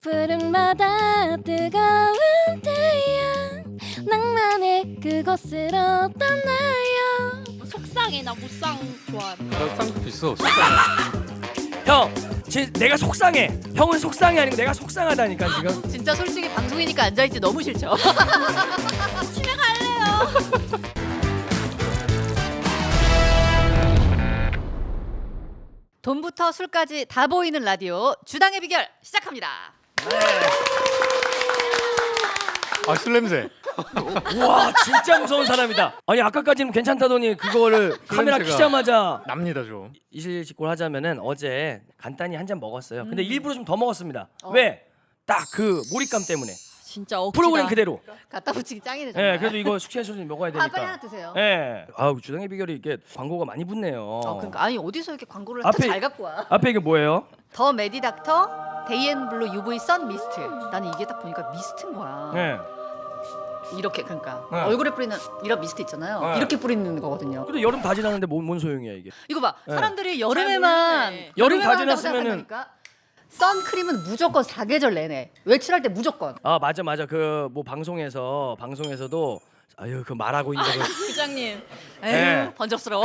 푸른마다 뜨거운 태양 낭만의 그곳으로 떠나요. 속상해. 나 무쌍 좋아해. 나 쌍꺼풀 있어. 형, 내가 속상해. 형은 속상해 아니고 내가 속상하다니까 지금. 진짜 솔직히 방송이니까 앉아있지 너무 싫죠. 집에 갈래요. 돈부터 술까지 다 보이는 라디오 주당의 비결 시작합니다. 아, 술 냄새. 우와, 진짜 무서운 사람이다. 아니 아까까지는 괜찮다더니 그거를 카메라 냄새가 키자마자 납니다 좀. 이실직고를 하자면은 어제 간단히 한 잔 먹었어요. 근데 일부러 좀 더 먹었습니다. 왜? 딱 그 몰입감 때문에. 진짜 억지다. 프로그램 그대로. 갖다 붙이기 짱이네 예, 정말. 그래도 이거 숙취해소 좀 먹어야 되니까. 빨리 하나 드세요. 예. 아우 주당의 비결이 이게 광고가 많이 붙네요. 그러니까 아니 어디서 이렇게 광고를 앞에- 또 잘 갖고 와. 앞에 이게 뭐예요? 더 메디닥터 데이앤블루 UV 선 미스트. 나는 이게 딱 보니까 미스트인 거야. 예. 이렇게 그러니까 네. 얼굴에 뿌리는 이런 미스트 있잖아요. 네. 이렇게 뿌리는 거거든요. 근데 여름 다 지났는데 뭔 소용이야 이게? 이거 봐. 네. 사람들이 여름에만 모르네. 여름 다 한다고 지났으면은- 생각하니까 선크림은 무조건 사계절 내내 외출할 때 무조건. 아 맞아 그 뭐 방송에서도 아유 그 말하고 있는 거 부장님. 에휴 네. 번쩍스러워.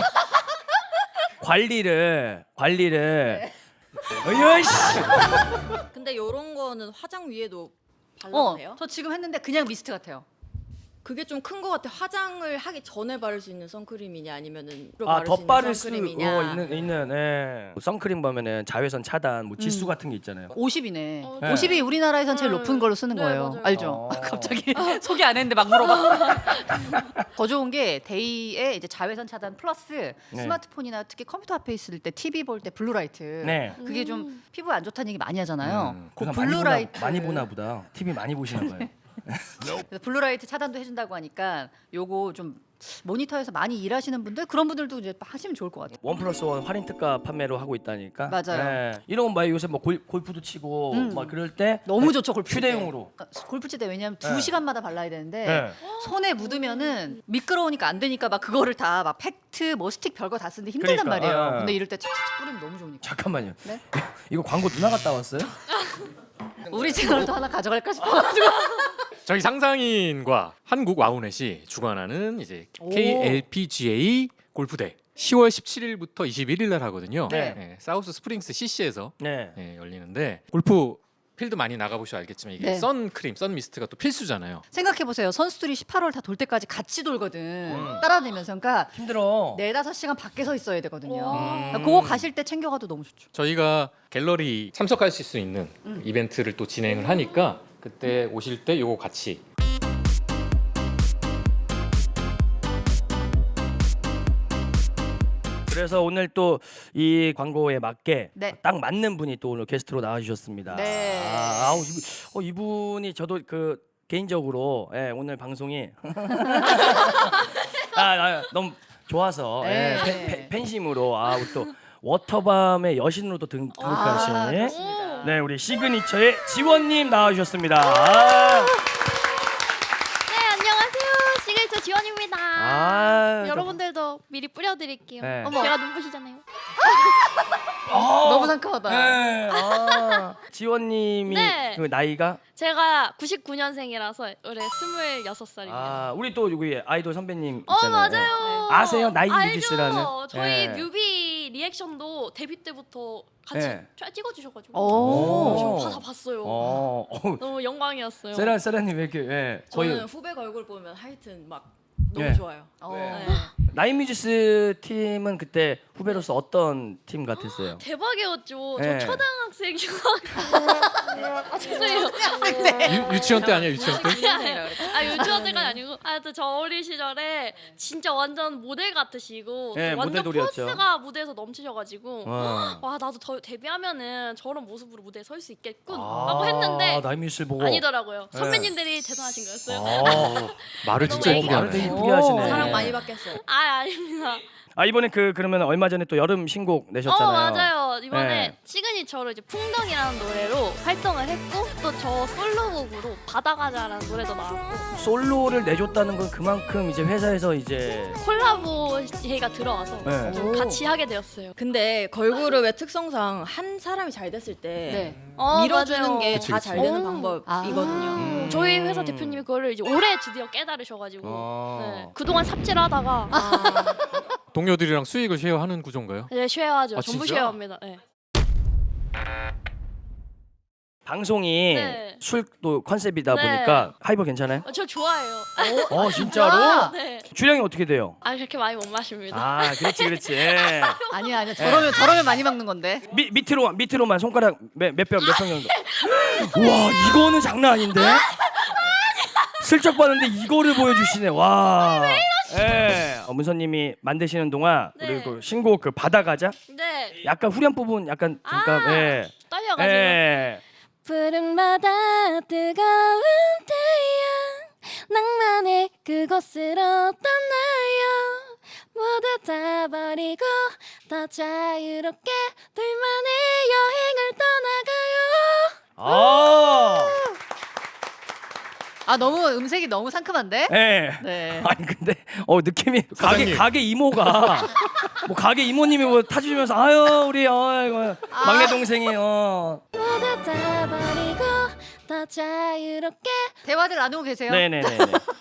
관리를 어이씨. 근데 요런 거는 화장 위에도 발라도 돼요? 저 지금 했는데 그냥 미스트 같아요. 그게 좀 큰 거 같아. 화장을 하기 전에 바를 수 있는 선크림이냐 아니면은 아 바를 수 있는 덧바를 수 선크림이냐. 있는 예. 선크림 보면은 자외선 차단 뭐 지수 같은 게 있잖아요. 50이네. 어, 네. 50이 우리나라에선 제일 높은 걸로 쓰는 네, 거예요. 맞아요. 알죠? 어. 갑자기 소개 안 했는데 막 물어봐. 더 좋은 게 데이에 이제 자외선 차단 플러스 네. 스마트폰이나 특히 컴퓨터 앞에 있을 때 TV 볼 때 블루라이트. 네. 그게 좀 피부에 안 좋다는 얘기 많이 하잖아요. 그 그래서 블루라이트 많이 보나 보다. TV 많이 보시나 봐요. 그래서 블루라이트 차단도 해준다고 하니까 요거 좀 모니터에서 많이 일하시는 분들 그런 분들도 이제 하시면 좋을 것 같아요. 1+1 할인 특가 판매로 하고 있다니까. 맞아요. 예. 이런 거 막 요새 뭐 골프도 치고 막 그럴 때 너무 좋죠 골프 칠 때. 휴대용으로. 골프 칠 때 왜냐면 네. 2시간마다 발라야 되는데 네. 손에 묻으면은 미끄러우니까 안 되니까 막 그거를 다 막 팩트 뭐 스틱 별거 다 쓰는데 힘들단 그러니까, 말이에요. 예. 근데 이럴 때 착착착 뿌리면 너무 좋으니까. 잠깐만요. 네? 이거 광고 누나 갔다 왔어요? 우리 채널도 하나 가져갈까 싶어가지고. 저희 상상인과 한국 와우넷이 주관하는 이제 오. KLPGA 골프대 10월 17일부터 21일 날 하거든요. 네. 사우스 스프링스 CC에서 네. 열리는데 골프 필드 많이 나가보셔 알겠지만 이게 네. 선크림, 선미스트가 또 필수잖아요. 생각해 보세요. 선수들이 18월 다 돌 때까지 같이 돌거든. 따라다니면서 그러니까 힘들어. 4-5시간 밖에 서 있어야 되거든요. 와. 그러니까 그거 가실 때 챙겨가도 너무 좋죠. 저희가 갤러리 참석하실 수 있는 이벤트를 또 진행을 하니까 그때 오실 때 요거 같이 그래서 오늘 또 이 광고에 맞게 네. 딱 맞는 분이 또 오늘 게스트로 나와주셨습니다. 네. 이분이 저도 그 개인적으로 오늘 방송이 너무 좋아서 네. 팬심으로 우리 또 워터밤의 여신으로 또 등극하신 그렇습니다. 네 우리 시그니처의 지원님 나와주셨습니다. 아, 네, 안녕하세요. 시그니처 지원입니다. 여러분들도 미리 뿌려드릴게요. 네. 어머, 제가 눈부시잖아요. 너무 상큼하다. 네. 지원님이 네. 그 나이가 제가 99년생이라서 올해 26살입니다. 우리 또 여기 아이돌 선배님 있잖아요. 맞아요. 아세요? 나이 알죠. 뮤지스라는. 저희 네. 뮤비 리액션도 데뷔 때부터 같이 네. 찍어주셔가지고 오. 저 다 봤어요. 어. 너무 영광이었어요. 세라님 왜 이렇게 저는 후배 얼굴 보면 하여튼 막 너무 네. 좋아요. 네. 나인뮤지스 팀은 그때 후배로서 어떤 팀 같았어요? 대박이었죠. 네. 저 초등학생이고 죄송해요. 유치원 때 아니야 유치원 때? 유치원 때가 아니고 하여튼 저 어린 시절에 진짜 완전 모델 같으시고 네, 완전 모델돌이었죠. 포스가 무대에서 넘치셔가지고 어. 와 나도 데뷔하면은 저런 모습으로 무대에 설 수 있겠군 하고 했는데 나인뮤지스 보고 아니더라고요. 네. 선배님들이 대단하신 거였어요. 말을 진짜 너무 예쁘게 말을 되게 하네. 이쁘게 하시네. 사랑 많이 받겠어요. 아닙니다. 이번에 그러면 얼마 전에 또 여름 신곡 내셨잖아요. 맞아요. 이번에 네. 시그니처로 이제 풍덩이라는 노래로 활동을 했고 또 저 솔로곡으로 바다가자라는 노래도 나왔고 솔로를 내줬다는 건 그만큼 이제 회사에서 이제 콜라보 제의가 들어와서 네. 좀 같이 하게 되었어요. 근데 걸그룹의 특성상 한 사람이 잘 됐을 때 네. 밀어주는 맞아요. 게 그치, 다 그치. 잘 되는 오. 방법이거든요. 저희 회사 대표님이 그거를 이제 올해 드디어 깨달으셔가지고 네. 그동안 삽질하다가 동료들이랑 수익을 쉐어하는 구조인가요? 이제 쉐어하죠. 아, 전부 진짜? 쉐어합니다. 네. 방송이 네. 술도 컨셉이다 네. 보니까 하이버 괜찮아요? 저 좋아해요. 진짜로? 네. 주량이 어떻게 돼요? 아 그렇게 많이 못 마십니다. 아 그렇지 예. 아니야. 저러면 많이 막는 건데. 밑으로만 손가락 몇병 정도. 와 이거는 장난 아닌데? 슬쩍 봤는데 이거를 보여주시네. 와. 예. 문서님이 만드시는 동안 네. 우리 그 신곡 그 바다가자 네. 약간 후렴 부분 약간 잠깐 예. 떨려가지고. 예. 푸른 바다 뜨거운 태양 낭만의 그곳으로 떠나요. 모두 다 버리고 더 자유롭게 둘만의 여행을 떠나가요. 아. 너무 음색이 너무 상큼한데? 예. 네. 아니 근데 느낌이 사장님. 가게 이모가 뭐 가게 이모님이 뭐 타주시면서 아유 우리 이거 막내 동생이 모두 다 버리고 더 자유롭게. 대화들 나누고 계세요? 네네네.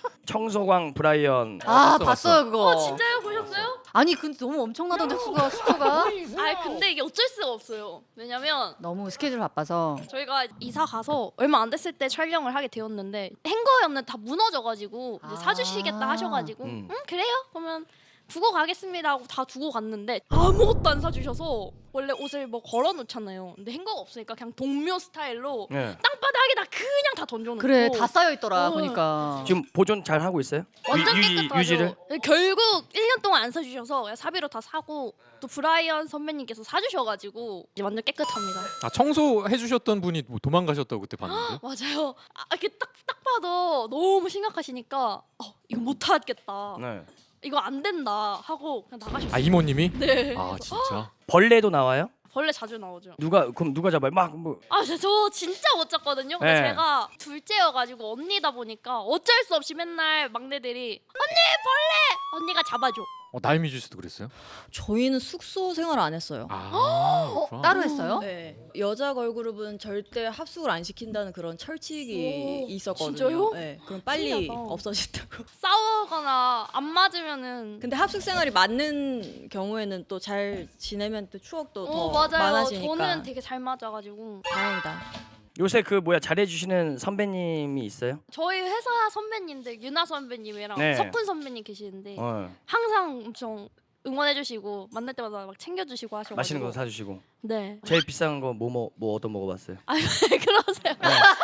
청소광 브라이언. 봤어요 그거. 진짜요? 보셨어요? 아니 근데 너무 엄청나던데 수가. 아 근데 이게 어쩔 수가 없어요. 왜냐면 너무 스케줄 바빠서. 저희가 이사 가서 얼마 안 됐을 때 촬영을 하게 되었는데 행거였는데 다 무너져가지고 이제 사주시겠다 하셔가지고 음. 그래요? 그러면 두고 가겠습니다 하고 다 두고 갔는데 아무것도 안 사주셔서 원래 옷을 뭐 걸어놓잖아요. 근데 행거가 없으니까 그냥 동묘 스타일로 네. 땅바닥에다 그냥 다 던져놓고 그래 다 쌓여 있더라 어. 보니까. 지금 보존 잘 하고 있어요? 완전 유지- 깨끗하죠. 유지를? 결국 1년 동안 안 사주셔서 그냥 사비로 다 사고 또 브라이언 선배님께서 사주셔가지고 이제 완전 깨끗합니다. 아 청소해 주셨던 분이 뭐 도망가셨다고 그때 봤는데. 맞아요. 이렇게 딱 봐도 너무 심각하시니까 이거 못하겠다. 네. 이거 안 된다 하고 그냥 나가셨어요. 아 이모님이? 네. 아 진짜. 벌레도 나와요? 벌레 자주 나오죠. 그럼 누가 잡아요? 막 뭐. 저 진짜 못 잡거든요. 근데 네. 제가 둘째여가지고 언니다 보니까 어쩔 수 없이 맨날 막내들이 언니 벌레! 언니가 잡아줘. 나이미 주스도 그랬어요? 저희는 숙소 생활 안 했어요. 그렇구나. 따로 했어요? 네. 여자 걸그룹은 절대 합숙을 안 시킨다는 그런 철칙이 오, 있었거든요. 진짜요? 네. 그럼 빨리 신기하다. 없어진다고. 싸우거나 안 맞으면은 근데 합숙 생활이 맞는 경우에는 또 잘 지내면 또 추억도 더 맞아요. 많아지니까 저는 되게 잘 맞아가지고 다행이다. 요새 잘해주시는 선배님이 있어요? 저희 회사 선배님들 유나 선배님이랑 네. 석훈 선배님 계시는데 어. 항상 엄청 응원해주시고 만날 때마다 막 챙겨주시고 하셔가지고 맛있는 거 사주시고. 네. 제일 비싼 거 뭐 얻어 먹어봤어요? 아 왜 그러세요?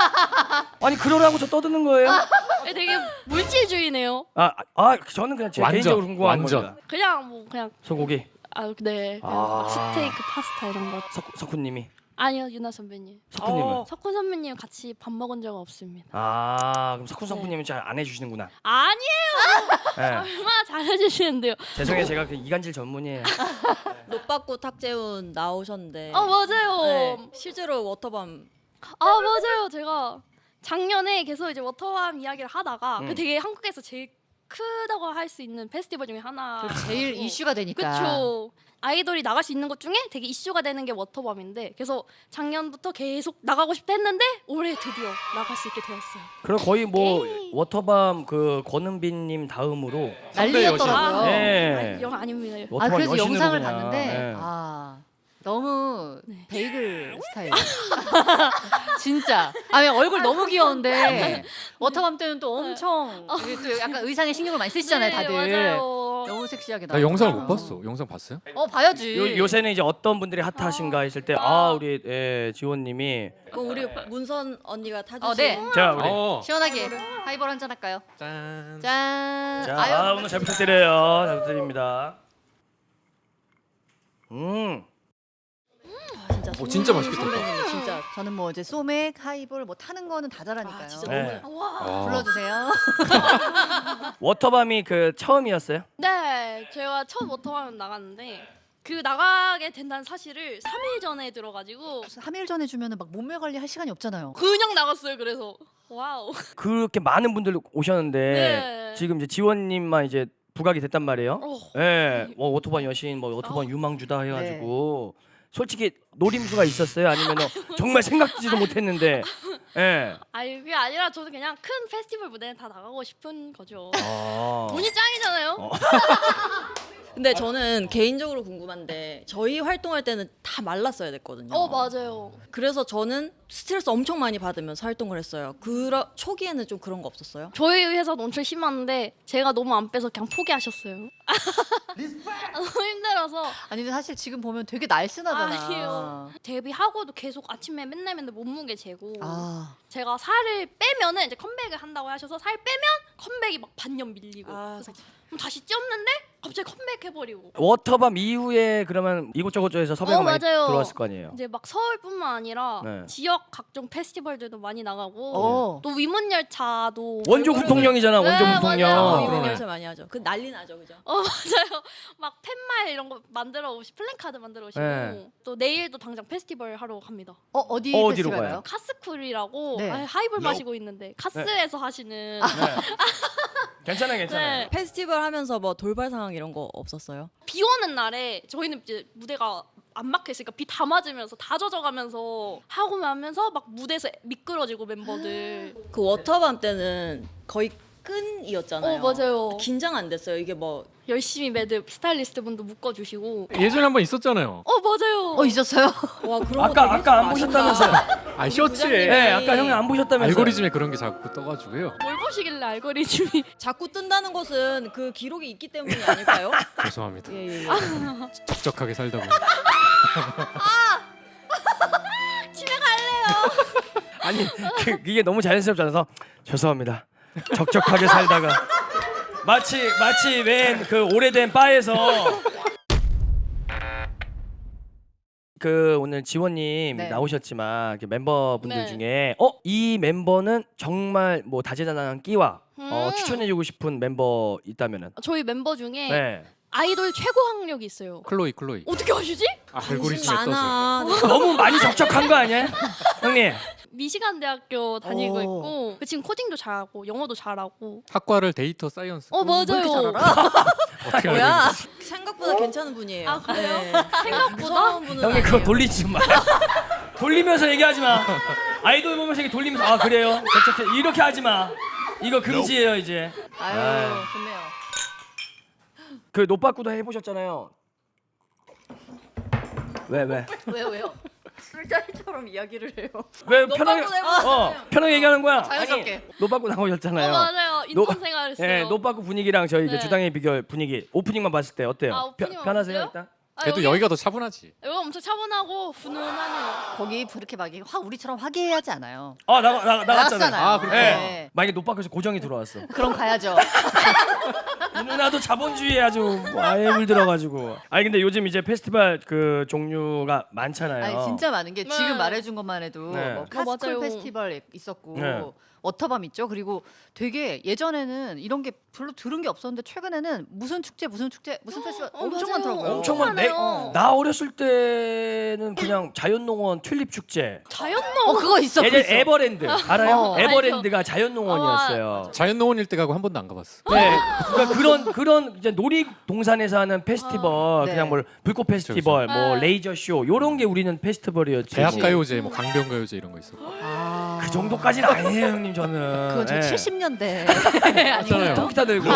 아니 그러라고 저 떠드는 거예요? 되게 물질주의네요. 저는 그냥 제 완전, 개인적으로 궁금한 완전. 겁니다. 그냥 소고기 네. 그냥 아. 막 스테이크 파스타 이런 거. 석훈님이 아니요 유나 선배님. 석훈님은 석훈 선배님 같이 밥 먹은 적 없습니다. 그럼 석훈 선배님은 잘 안 해주시는구나. 아니에요. 네. 얼마나 잘해주시는데요. 죄송해요 제가 그 이간질 전문이에요. 노빠꾸 탁재훈 나오셨는데 맞아요. 네, 실제로 워터밤 맞아요. 제가 작년에 계속 이제 워터밤 이야기를 하다가 그 되게 한국에서 제일 크다고 할 수 있는 페스티벌 중에 하나. 제일 이슈가 되니까. 그쵸. 아이돌이 나갈 수 있는 것 중에 되게 이슈가 되는 게 워터밤인데 그래서 작년부터 계속 나가고 싶다 했는데 올해 드디어 나갈 수 있게 되었어요. 그럼 거의 뭐 워터밤 그 권은빈님 다음으로 난리였더라고요. 네. 영 아닙니다. 워터밤 그래서 여신으로 영상을 그냥. 봤는데 네. 너무 네. 베이글 스타일. 진짜. 얼굴 너무 귀여운데 워터밤 때는 또 엄청 이게 또 약간 의상에 신경을 많이 쓰시잖아요, 네, 다들. 맞아요. 너무 섹시하게 나 나와. 영상을 못 봤어. 영상 봤어요? 봐야지. 요새는 이제 어떤 분들이 핫하신가 했을 때 우리 지원님이 그 우리 문선 언니가 타주신 네. 자 우리 시원하게 하이볼 한잔 할까요? 짠. 짠. 자 오늘 잘 부탁드려요. 잘 부탁드립니다. 진짜 맛있겠다. 선배님 진짜 저는 뭐 이제 소맥, 하이볼 뭐 타는 거는 다 잘하니까요. 진짜 네. 너무 와. 불러주세요. 워터밤이 그 처음이었어요? 네, 제가 첫 워터밤 나갔는데 그 나가게 된다는 사실을 3일 전에 들어가지고 3일 전에 주면은 막 몸매 관리할 시간이 없잖아요. 그냥 나갔어요. 그래서 와우. 그렇게 많은 분들 오셨는데 네. 지금 이제 지원님만 이제 부각이 됐단 말이에요. 어. 예, 뭐 오토반 여신, 뭐 오토반 아. 유망주다 해가지고 솔직히 노림수가 있었어요? 아니면 정말 생각지도 못했는데, 예. 아니 그게 아니라 저는 그냥 큰 페스티벌 무대에 다 나가고 싶은 거죠. 아. 돈이 짱이잖아요. 근데 저는 개인적으로 궁금한데 저희 활동할 때는 다 말랐어야 됐거든요. 맞아요. 그래서 저는 스트레스 엄청 많이 받으면서 활동을 했어요. 초기에는 좀 그런 거 없었어요? 저희 회사도 엄청 심한데 제가 너무 안 빼서 그냥 포기하셨어요. 너무 힘들어서. 아니 근데 사실 지금 보면 되게 날씬하잖아. 아니에요. 데뷔하고도 계속 아침에 맨날 몸무게 재고 아, 제가 살을 빼면은 이제 컴백을 한다고 하셔서 살 빼면 컴백이 막 반년 밀리고 그래서 그럼 다시 찌었는데 갑자기 컴백해버리고 워터밤 이후에 그러면 이곳저곳에서 섭외가 많이 맞아요. 들어왔을 거 아니에요? 이제 막 서울뿐만 아니라 네. 지역 각종 페스티벌들도 많이 나가고 어. 또 위문열차도 원조 군통령이잖아, 네, 원조 맞아요. 군통령. 이번 그러네. 연습 많이 하죠. 그 난리 나죠, 그죠? 맞아요. 막 팻말 이런 거 만들어 오시 플랜카드 만들어 오시고 네. 또 내일도 당장 페스티벌 하러 갑니다. 어디 어디로 페스티벌 가요? 가요? 카스쿨이라고 네. 하이볼 마시고 있는데 카스에서 하시는 괜찮아요, 괜찮아요. 네. 페스티벌 하면서 뭐 돌발 상황 이런 거 없었어요? 비 오는 날에 저희는 이제 무대가 안 막혀 있으니까 비 다 맞으면서 다 젖어가면서 하고 하면서 막 무대에서 미끄러지고 멤버들. 그 워터밤 때는 거의 끈이었잖아요. 맞아요. 긴장 안 됐어요. 이게 뭐 열심히 매듭 스타일리스트 분도 묶어주시고. 예전에 한번 있었잖아요. 맞아요. 있었어요? 와 그런 거 아까 되게 아까 안 아쉽다. 보셨다면서요? 아 셔츠에 부장님. 네, 아까 형이 안 보셨다면서요? 알고리즘에 그런 게 자꾸 떠가지고요. 뭘 보시길래 알고리즘이. 자꾸 뜬다는 것은 그 기록이 있기 때문이 아닐까요? 죄송합니다. 예. 적적하게 살다 보니. 집에 갈래요. 아니 이게 너무 자연스럽지 않아서 죄송합니다. 적적하게 살다가 마치 웬 그 오래된 바에서 그 오늘 지원님 네. 나오셨지만 그 멤버분들 네. 중에 이 멤버는 정말 뭐 다재다능한 끼와 추천해주고 싶은 멤버 있다면은 저희 멤버 중에 네. 아이돌 최고 학력이 있어요. 클로이. 어떻게 아시지? 알고리즘에 떠서. 많아. 너무 많이 적적한 거 아니야, 형님? 미시간 대학교 다니고 오. 있고 지금 코딩도 잘하고 영어도 잘하고. 학과를 데이터 사이언스. 맞아요. 왜 이렇게 잘 알아? 어떻게 알고 뭐야? 있는지. 생각보다 괜찮은 분이에요. 아, 그래요? 네. 생각보다? 무서운 분은 형님 그거 아니에요. 돌리지 마. 돌리면서 얘기하지 마. 아이돌 보면서 이렇게 돌리면서 아 그래요? 적적해. 이렇게 하지 마. 이거 금지예요 이제. 아유, 좋네요. 그 노빠꾸도 해보셨잖아요. 왜? 왜요? 술자리처럼 이야기를 해요. 왜 편하게 해보셨어요? 편하게 얘기하는 거야? 자연스럽게. 아니, 노빠꾸 나오셨잖아요. 맞아요. 인턴 생활했어요. 예, 노빠꾸 분위기랑 저희 이제 네. 주당의 비결 분위기 오프닝만 봤을 때 어때요? 오프닝만 편하세요 봤어요? 일단? 그래도 여기가 더 차분하지. 여기 엄청 차분하고 훈훈하네요. 거기 그렇게 막 확 우리처럼 화기애애하지 않아요. 나갔잖아요. 나갔잖아요. 아, 그렇구나. 네. 만약에 노빠꾸에서 고정이 들어왔어. 그럼 가야죠. 이 누나도 자본주의에 아주 아예 물들어가지고. 아니 근데 요즘 이제 페스티벌 그 종류가 많잖아요. 아니 진짜 많은 게 네. 지금 말해준 것만 해도 네. 뭐 카스쿨 맞아요. 페스티벌 있었고 네. 워터밤 있죠. 그리고 되게 예전에는 이런 게 별로 들은 게 없었는데 최근에는 무슨 축제 무슨 페스티벌 엄청 맞아요. 많더라고요. 엄청 너무 많네. 많아요. 나 어렸을 때는 그냥 자연농원 튤립 축제. 자연농. 그거 있어. 예전 있어. 에버랜드 알아요? 어. 에버랜드가 자연농원이었어요. 자연농원일 때 가고 한 번도 안 가봤어. 네, 그러니까 그런 이제 놀이동산에서 하는 페스티벌, 네. 그냥 뭐 불꽃 페스티벌, 뭐 네. 레이저 쇼 요런 게 우리는 페스티벌이었지. 대학가요제, 뭐 강변가요제 이런 거 있었고. 아. 그 정도까지는 아니에요, 형님 저는. 그건 저 예. 70년대. 맞잖아요. 통기타 들고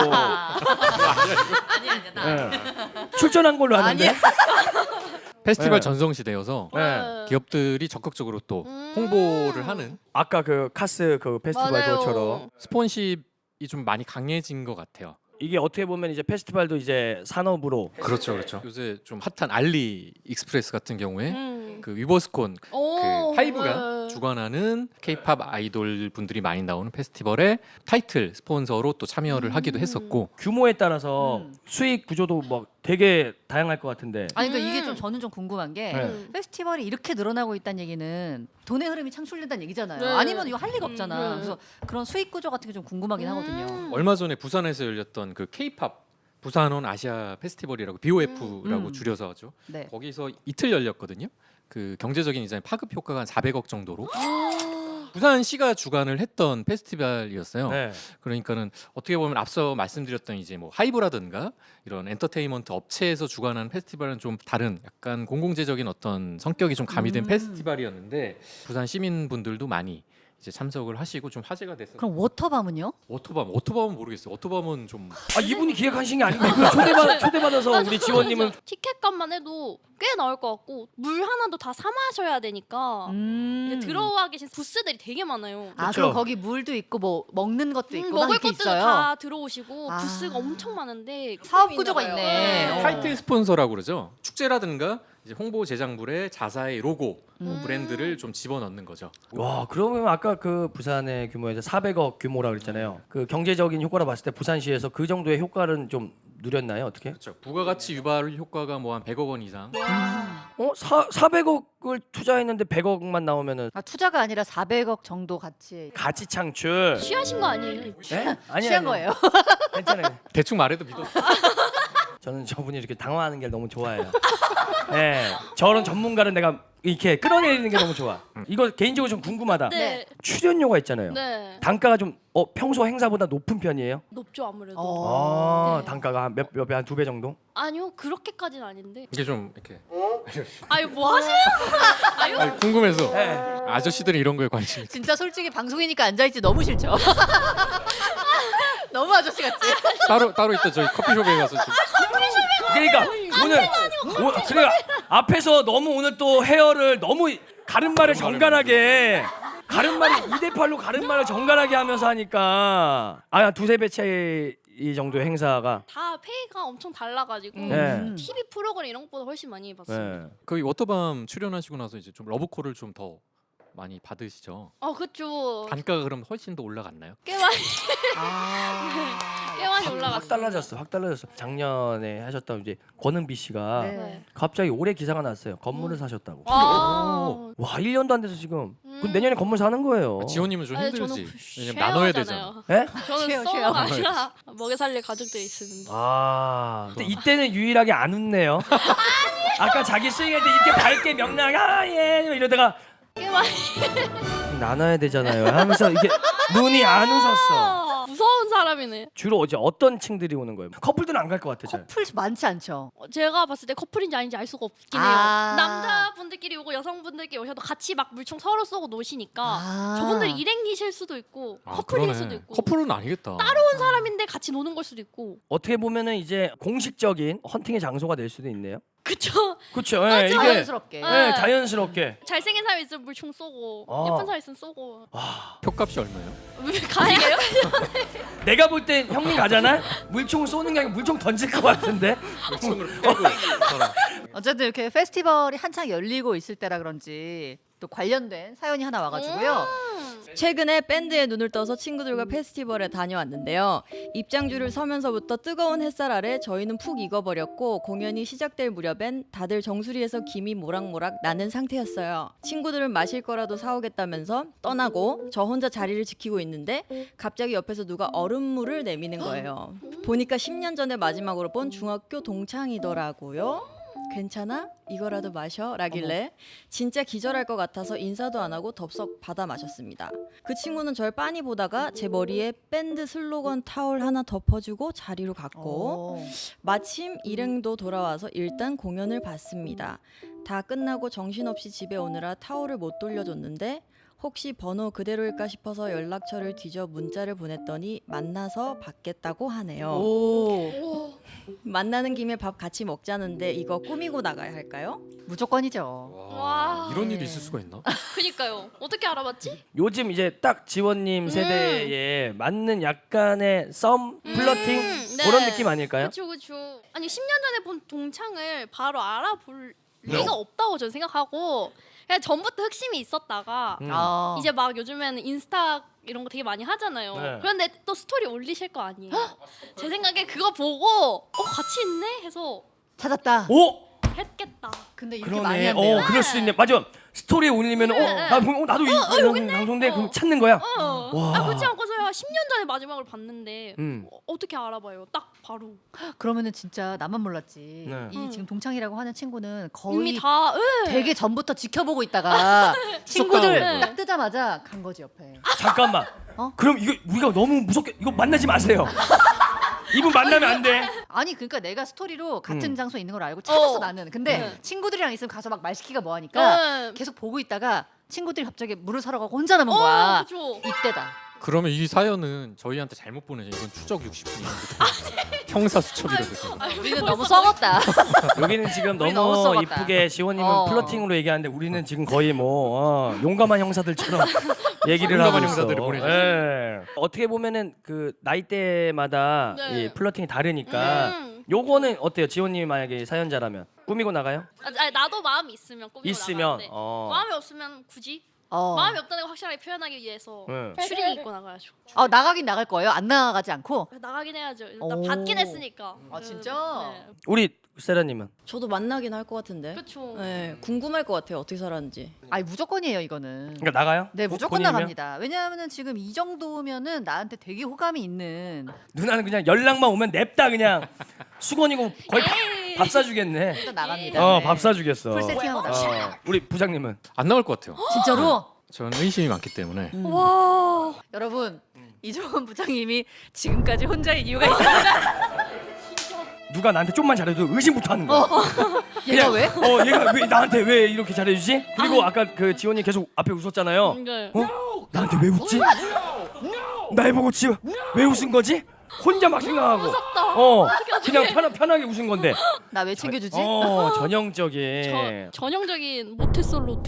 아니야. 예. 출전한 걸로 아는데. 아니야. 페스티벌 네. 전성시대여서 네. 기업들이 적극적으로 또 홍보를 하는 아까 그 카스 그 페스티벌 맞아요. 그것처럼 스폰십이 좀 많이 강해진 것 같아요. 이게 어떻게 보면 이제 페스티벌도 이제 산업으로 그렇죠. 요새 좀 핫한 알리 익스프레스 같은 경우에 음. 그 위버스콘 그 하이브가 네. 주관하는 K-팝 아이돌 분들이 많이 나오는 페스티벌에 타이틀 스폰서로 또 참여를 하기도 했었고. 규모에 따라서 수익 구조도 뭐 되게 다양할 것 같은데. 아니 그러니까 이게 좀 저는 좀 궁금한 게 네. 페스티벌이 이렇게 늘어나고 있다는 얘기는 돈의 흐름이 창출된다는 얘기잖아요. 네. 아니면 이거 할 리가 없잖아. 네. 그래서 그런 수익 구조 같은 게 좀 궁금하긴 하거든요. 얼마 전에 부산에서 열렸던 그 K-팝 부산온 아시아 페스티벌이라고 BOF라고 줄여서 하죠. 네. 거기서 이틀 열렸거든요. 그 경제적인 이제 파급 효과가 한 400억 정도로 부산시가 주관을 했던 페스티벌이었어요. 네. 그러니까는 어떻게 보면 앞서 말씀드렸던 이제 뭐 하이브라든가 이런 엔터테인먼트 업체에서 주관하는 페스티벌은 좀 다른 약간 공공재적인 어떤 성격이 좀 가미된 페스티벌이었는데 부산 시민분들도 많이 이제 참석을 하시고 좀 화제가 됐어요. 그럼 워터밤은요? 워터밤은 모르겠어요. 워터밤은 좀 아 이분이 기획하신 게 아니고 이분 초대받아서 우리 지원님은 티켓값만 해도 꽤 나올 것 같고 물 하나도 다 사 마셔야 되니까 이제 들어와 계신 부스들이 되게 많아요. 아 그쵸. 그럼 거기 물도 있고 뭐 먹는 것도 있고 막 먹을 이렇게 것들도 있어요. 다 들어오시고 아. 부스가 엄청 많은데 사업 구조가 있네. 네. 타이틀 스폰서라고 그러죠. 축제라든가 이제 홍보 제작물에 자사의 로고 브랜드를 좀 집어넣는 거죠. 와 그러면 아까 그 부산의 규모에서 400억 규모라 그랬잖아요. 그 경제적인 효과로 봤을 때 부산시에서 그 정도의 효과는 좀 누렸나요? 어떻게? 그렇죠. 부가가치 유발 효과가 뭐 한 100억 원 이상. 400억을 투자했는데 100억만 나오면은 아, 투자가 아니라 400억 정도 가치. 가치 창출. 취하신 거 아니에요? 네? 아니 취한 거예요. 괜찮아요. 대충 말해도 믿어. 저는 저분이 이렇게 당황하는 게 너무 좋아해요. 네, 저런 전문가를 내가 이렇게 끌어내리는 게 너무 좋아. 이거 개인적으로 좀 궁금하다. 네. 출연료가 있잖아요. 네. 단가가 좀 평소 행사보다 높은 편이에요? 높죠 아무래도. 아, 네. 단가가 한 몇 배 한 2배 정도? 아니요 그렇게까지는 아닌데. 이게 좀 이렇게 아유 뭐 하세요? 아니, 궁금해서 네. 아저씨들은 이런 거에 관심이. 진짜 솔직히 방송이니까 앉아있지 너무 싫죠. 너무 아저씨 같지. 따로 이따 저희 커피숍에 가서 좀 그러니까 오늘 그러니까 앞에서 너무 오늘 또 헤어를 너무 가른말을 정갈하게 가른말이 2대8로 가른말을 정갈하게 하면서 하니까 두세 배 차이 이 정도 행사가 다 페이가 엄청 달라가지고 네. TV 프로그램 이런 것보다 훨씬 많이 봤어요. 네. 거기 워터밤 출연하시고 나서 이제 좀 러브콜을 좀 더 많이 받으시죠. 그쵸. 단가가 그럼 훨씬 더 올라갔나요? 꽤 많이 아. 꽤 많이 확 올라갔어요. 달라졌어. 확 달라졌어. 작년에 하셨던 이제 권은비 씨가 네. 네. 갑자기 올해 기사가 났어요. 건물을 사셨다고. 아. 와 1년도 안 돼서 지금 그럼 내년에 건물 사는 거예요. 지원님은 좀 아니, 힘들지. 저는 왜냐면 나눠야 되잖아. 쉐어잖아요. 예? 저는 쉐어, 서로가 아니라 먹여 살릴 가족들이 있습니다. 근데 이때는 유일하게 안 웃네요. 아까 자기 스윙할 때 이렇게 밝게 명랑하게 예 이러다가 꽤 많이 나눠야 되잖아요 하면서 이게 눈이 안 웃었어. 무서운 사람이네. 주로 어떤 층들이 오는 거예요? 커플들은 안 갈 것 같아 잘. 커플 많지 않죠. 제가 봤을 때 커플인지 아닌지 알 수가 없긴 해요. 아. 남자분들끼리 오고 여성분들끼리 오셔도 같이 막 물총 서로 쏘고 노시니까 아. 저분들 일행이실 수도 있고 커플일 수도 있고 커플은 아니겠다. 따로온 사람인데 같이 노는 걸 수도 있고. 어떻게 보면은 이제 공식적인 헌팅의 장소가 될 수도 있네요. 그쵸? 그렇죠. 예, 이게 자연스럽게. 예, 자연스럽게. 잘생긴 사람 있으면 물총 쏘고 아. 예쁜 사람 있으면 쏘고. 표값이 얼마예요? 왜 가해요? 내가 볼 땐 형님 가잖아. 물총 쏘는 게 아니고 물총 던질 것 같은데. 물총으로 패고 어쨌든 이렇게 페스티벌이 한창 열리고 있을 때라 그런지 또 관련된 사연이 하나 와가지고요. 최근에 밴드에 눈을 떠서 친구들과 페스티벌에 다녀왔는데요. 입장줄을 서면서부터 뜨거운 햇살 아래 저희는 푹 익어버렸고 공연이 시작될 무렵엔 다들 정수리에서 김이 모락모락 나는 상태였어요. 친구들은 마실 거라도 사오겠다면서 떠나고 저 혼자 자리를 지키고 있는데 갑자기 옆에서 누가 얼음물을 내미는 거예요. 보니까 10년 전에 마지막으로 본 중학교 동창이더라고요. 괜찮아? 이거라도 마셔? 라길래 진짜 기절할 것 같아서 인사도 안 하고 덥석 받아 마셨습니다. 그 친구는 절 빤히 보다가 제 머리에 밴드 슬로건 타올 하나 덮어주고 자리로 갔고 마침 일행도 돌아와서 일단 공연을 봤습니다. 다 끝나고 정신없이 집에 오느라 타올을 못 돌려줬는데 혹시 번호 그대로일까 싶어서 연락처를 뒤져 문자를 보냈더니 만나서 받겠다고 하네요. 오. 만나는 김에 밥 같이 먹자는데 이거 꾸미고 나가야 할까요? 무조건이죠. 와. 이런 일이 있을 수가 있나? 그니까요. 어떻게 알아봤지? 요즘 이제 딱 지원님 세대에 맞는 약간의 썸, 플러팅 네. 그런 느낌 아닐까요? 그쵸. 아니 10년 전에 본 동창을 바로 알아볼 리가 없다고 저는 생각하고 그냥 전부터 흑심이 있었다가 아. 이제 막 요즘에는 인스타 이런 거 되게 많이 하잖아요. 네. 그런데 또 스토리 올리실 거 아니에요. 제 생각에 그거 보고 같이 있네 해서 찾았다. 오! 했겠다. 근데 이렇게 많이 그러네. 한대요. 그럴 수 있네. 맞아. 스토리에 올리면 나도 이 방송대 그럼 찾는 거야. 와. 그렇지 않고서야 10년 전에 마지막으로 봤는데 음. 어떻게 알아봐요? 딱 바로 그러면은 진짜 나만 몰랐지. 네. 이 지금 동창이라고 하는 친구는 이미 거의 다 되게 전부터 지켜보고 있다가 친구들 쏙 딱 뜨자마자 간 거지 옆에. 잠깐만. 그럼 이거 우리가 너무 무섭게 이거 만나지 마세요. 이분 만나면 안 돼. 아니 그러니까 내가 스토리로 같은 장소에 있는 걸 알고 찾았어 나는. 근데 네. 친구들이랑 있으면 가서 막 말 시키가 뭐 하니까 네. 계속 보고 있다가 친구들이 갑자기 물을 사러 가고 혼자 남은 거야. 그죠. 이때다. 그러면 이 사연은 저희한테 잘못 보내죠. 이건 추적 60분이거든요. 형사 수첩이거든요. 우리는 너무 썩었다. 여기는 지금 우리 너무 너무 썩었다. 이쁘게 지원님은 플러팅으로 얘기하는데 우리는 지금 거의 뭐 용감한 형사들처럼 얘기를 하고 용감한 있어. 형사들을 보내주세요. 예. 어떻게 보면은 그 나이대마다 네. 이 플러팅이 다르니까 요거는 어때요? 지원님이 만약에 사연자라면 꾸미고 나가요? 아니, 나도 마음이 있으면 꾸미고 있으면 나가는데 어. 마음이 없으면 굳이 마음이 없다는 걸 확실하게 표현하기 위해서 네. 추리닝 입고 나가야죠. 나가긴 나갈 거예요. 안 나가지 않고. 나가긴 해야죠. 일단 오. 받긴 했으니까. 아, 진짜? 네. 우리 세라님은 저도 만나긴 할 것 같은데. 그렇죠. 네, 궁금할 것 같아요. 어떻게 살았는지. 아니 무조건이에요 이거는. 그러니까 나가요? 네 무조건 본인이면? 나갑니다. 왜냐하면 지금 이 정도면은 나한테 되게 호감이 있는. 누나는 그냥 연락만 오면 냅다 그냥 수건이고 거의 에이. 밥 사주겠네. 일단 나갑니다. 네. 밥 사주겠어. 풀 세팅하고 나갑니다. 우리 부장님은 안 나올 것 같아요. 진짜로? 저는 의심이 많기 때문에. 와. 여러분 이종원 부장님이 지금까지 혼자인 이유가 있습니다. 누가 나한테 좀만 잘해도 의심부터 하는 거야. 얘가 왜? 얘가 왜 나한테 왜 이렇게 잘해주지? 그리고 아까 그 지원이 계속 앞에 웃었잖아요. 네. 나한테 왜 웃지? 날 보고 지금 왜 웃은 거지? 혼자 막 생각하고. 무섭다. 그냥 편하게 웃은 건데. 나 왜 챙겨주지? 전형적인. 전형적인 모태솔로트.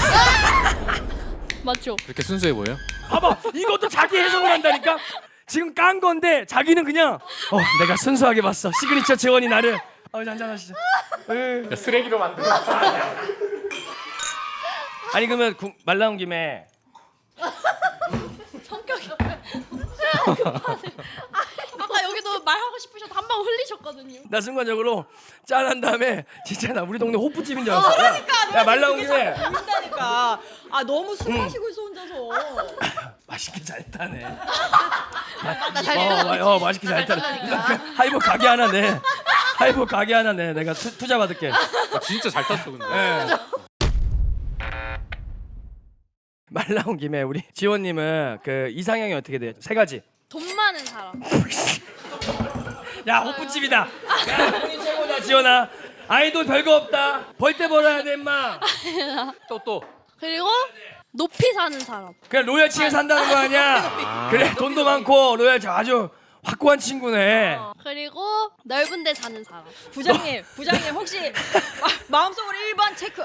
맞죠? 그렇게 순수해 보여요? 봐봐, 이것도 자기 해석을 한다니까. 지금 깐 건데 자기는 그냥 내가 순수하게 봤어. 시그니처 재원이 나를. 한잔 하시죠. 쓰레기로 만든. 아니 그러면 말 나온 김에 성격이 아까 여기도 말하고 싶으셔서 한 방 흘리셨거든요. 나 순간적으로 짠한 다음에 진짜 나 우리 동네 호프집인 줄 알았어. 그러니까 말 나온 김에 그러니까 너무 술 마시고 있어 혼자서. 맛있게 잘 타네. 나잘 맛있게 잘 타네. 하이볼 가게 하나 내. 하이볼 가게 하나 내. 내가 투자 받을게. 진짜 잘 탔어 근데. 말 나온 김에 우리 지원님은 그 이상형이 어떻게 돼요? 세 가지. 돈 많은 사람. 야 호프집이다. 야 돈이 최고다 지원아. 아이돌 별거 없다. 벌 때 벌어야 돼 임마. 또. 그리고 높이 사는 사람. 그냥 로열층에 산다는 거 아니야? 그래 돈도 많고 로열층 아주 확고한 친구네. 그리고 넓은 데 사는 사람. 부장님 혹시 마음속으로 1번 체크.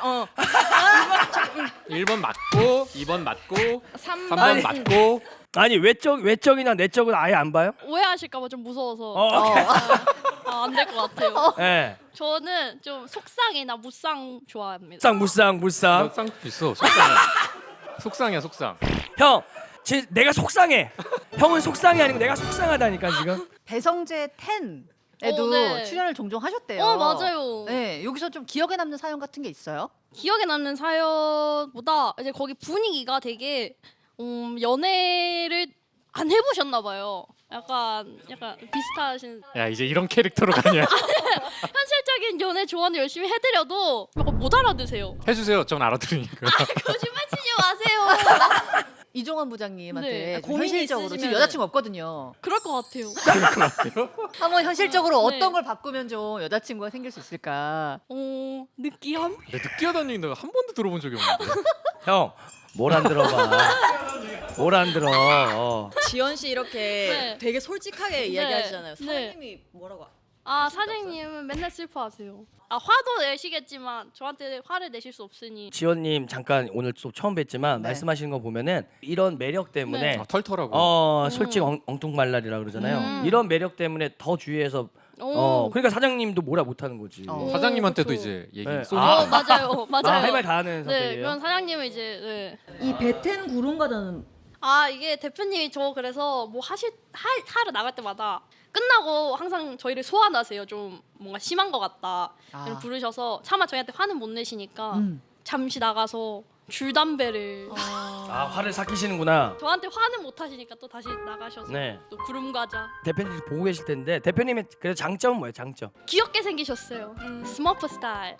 1번 맞고 2번 맞고 3번 3번 맞고. 아니 외적이나 내적은 아예 안 봐요? 오해하실까봐 좀 무서워서 오케이. 안 될 것 같아요. 예. 저는 좀 속상이나 무쌍 좋아합니다. 물상. 쌍 있어. 속상해. 속상이야 속상. 형, 내가 속상해. 형은 속상이 아니고 내가 속상하다니까 지금. 배성재 10에도 네. 출연을 종종 하셨대요. 맞아요. 네, 여기서 좀 기억에 남는 사연 같은 게 있어요? 기억에 남는 사연보다 이제 거기 분위기가 되게 연애를 안 해보셨나 봐요. 약간 비슷하신 야 이제 이런 캐릭터로 가냐? 현실적인 연애 조언을 열심히 해드려도 약간 못 알아두세요. 해주세요. 전 알아들으니까. 거짓말 치지 마세요. 이종원 부장님한테 네. 좀 고민이 현실적으로 지금 있으시면은- 여자친구 없거든요. 그럴 것 같아요. 한번 현실적으로 네. 어떤 걸 바꾸면 좀 여자친구가 생길 수 있을까? 느끼함? 내 느끼하다는 얘기 내가 한 번도 들어본 적이 없는데. 형, 뭘 안 들어봐. 뭘 안 들어. 지연 씨 이렇게 네. 되게 솔직하게 이야기하시잖아요. 네. 사장님이 뭐라고? 사장님은 맨날 슬퍼하세요. 화도 내시겠지만 저한테 화를 내실 수 없으니. 지원님 잠깐 오늘 또 처음 뵀지만 네. 말씀하시는 거 보면은 이런 매력 때문에 아, 털털하고. 솔직 엉뚱말랄이라 그러잖아요. 음. 이런 매력 때문에 더 주의해서 그러니까 사장님도 뭐라 못하는 거지. 사장님한테도 그쵸. 이제 얘기 네. 쏘니까. 맞아요. 할 말 다 하는 네, 성격이에요. 그런 사장님은 이제 이 베텐 구름과자는 이게 대표님이 저 그래서 뭐 하러 나갈 때마다 끝나고 항상 저희를 소환하세요. 좀 뭔가 심한 것 같다 아. 부르셔서 차마 저희한테 화는 못 내시니까 잠시 나가서 줄 담배를 아 화를 삭히시는구나. 저한테 화는 못 하시니까 또 다시 나가셔서 네. 또 구름 과자 대표님 보고 계실 텐데 대표님의 그래 장점은 뭐예요? 장점. 귀엽게 생기셨어요. 스머프 스타일.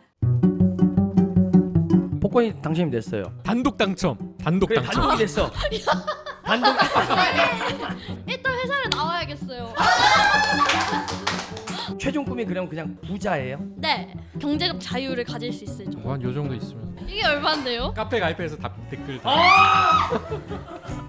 복권이 당첨이 됐어요. 단독 당첨. 단독 그래 당첨. 단독이 됐어. 단독. 일단 회사를 나와야겠어요. 최종 꿈이 그냥 부자예요? 네, 경제적 자유를 가질 수 있을 정도. 한 요 정도 있으면 이게 얼마인데요? 카페 가입해서 댓글 다.